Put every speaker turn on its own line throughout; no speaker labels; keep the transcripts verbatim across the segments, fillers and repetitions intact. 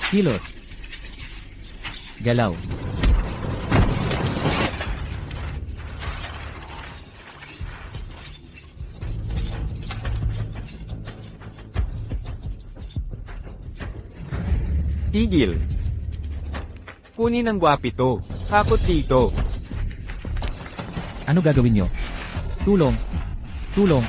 Kilos. Galaw.
Tigil. Kunin ang gwapito. Hakot dito.
Ano gagawin nyo? Tulong. Tulong.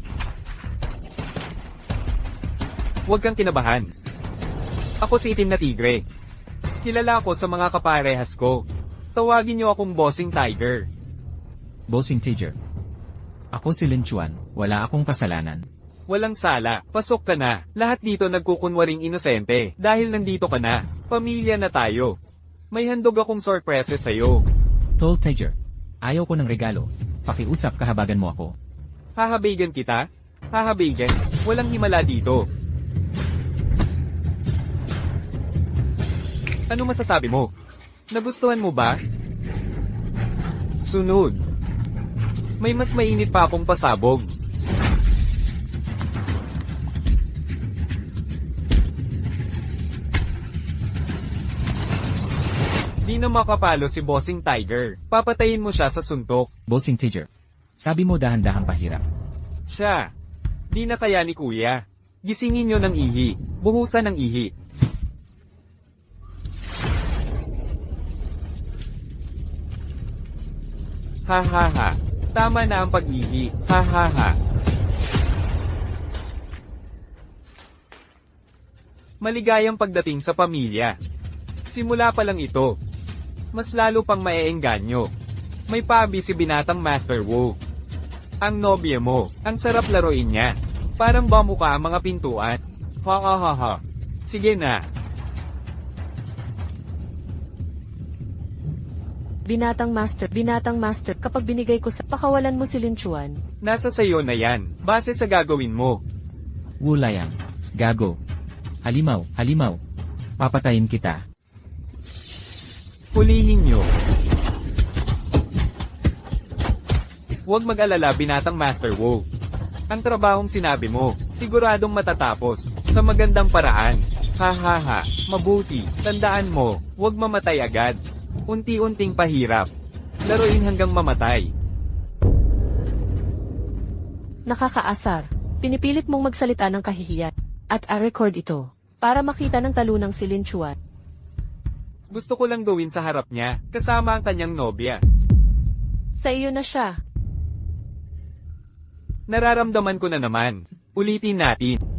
Huwag kang kinabahan. Ako si Itim na Tigre. Kilala ko sa mga kaparehas ko. Tawagin niyo akong Bossing Tiger.
Bossing Tiger. Ako si Lin Chuan, wala akong kasalanan.
Walang sala, pasok ka na. Lahat dito nagkukunwaring inosente, dahil nandito ka na. Pamilya na tayo. May handog akong sorpresa sa'yo.
Tall Tiger. Ayaw ko ng regalo. Pakiusap kahabagan mo ako.
Hahabigan kita? Hahabigan? Walang himala dito. Ano masasabi mo? Nagustuhan mo ba? Sunod. May mas mainit pa akong pasabog. Di na makapalo si Bossing Tiger. Papatayin mo siya sa suntok.
Bossing Tiger. Sabi mo dahan-dahang pahirap.
Siya. Di na kaya ni Kuya. Gisingin nyo ng ihi. Buhusan ng ihi. Ha ha ha. Tama na ang pag-ihi. Ha ha ha. Maligayang pagdating sa pamilya. Simula pa lang ito. Mas lalo pang maeengganyo. May pabi si binatang Master Wu. Ang nobya mo, ang sarap laruin niya. Parang bamukha ang mga pintuan. Ha ha ha ha. Sige na.
Binatang master, binatang master, kapag binigay ko sa pakawalan mo si Lin Chuan.
Nasa sayo na yan, base sa gagawin mo.
Wulayang. Gago. Halimaw, halimaw. Papatayin kita.
Hulihin nyo. Huwag mag-alala binatang Master Wu. Ang trabahong sinabi mo, siguradong matatapos, sa magandang paraan. Ha ha ha, mabuti, tandaan mo, huwag mamatay agad. Unti-unting pahirap. Laruin hanggang mamatay.
Nakakaasar. Pinipilit mong magsalita ng kahihiyan. At a-record ito. Para makita ng talunang si Lin Chuan.
Gusto ko lang gawin sa harap niya, kasama ang kanyang nobya.
Sa iyo na siya.
Nararamdaman ko na naman. Ulitin natin.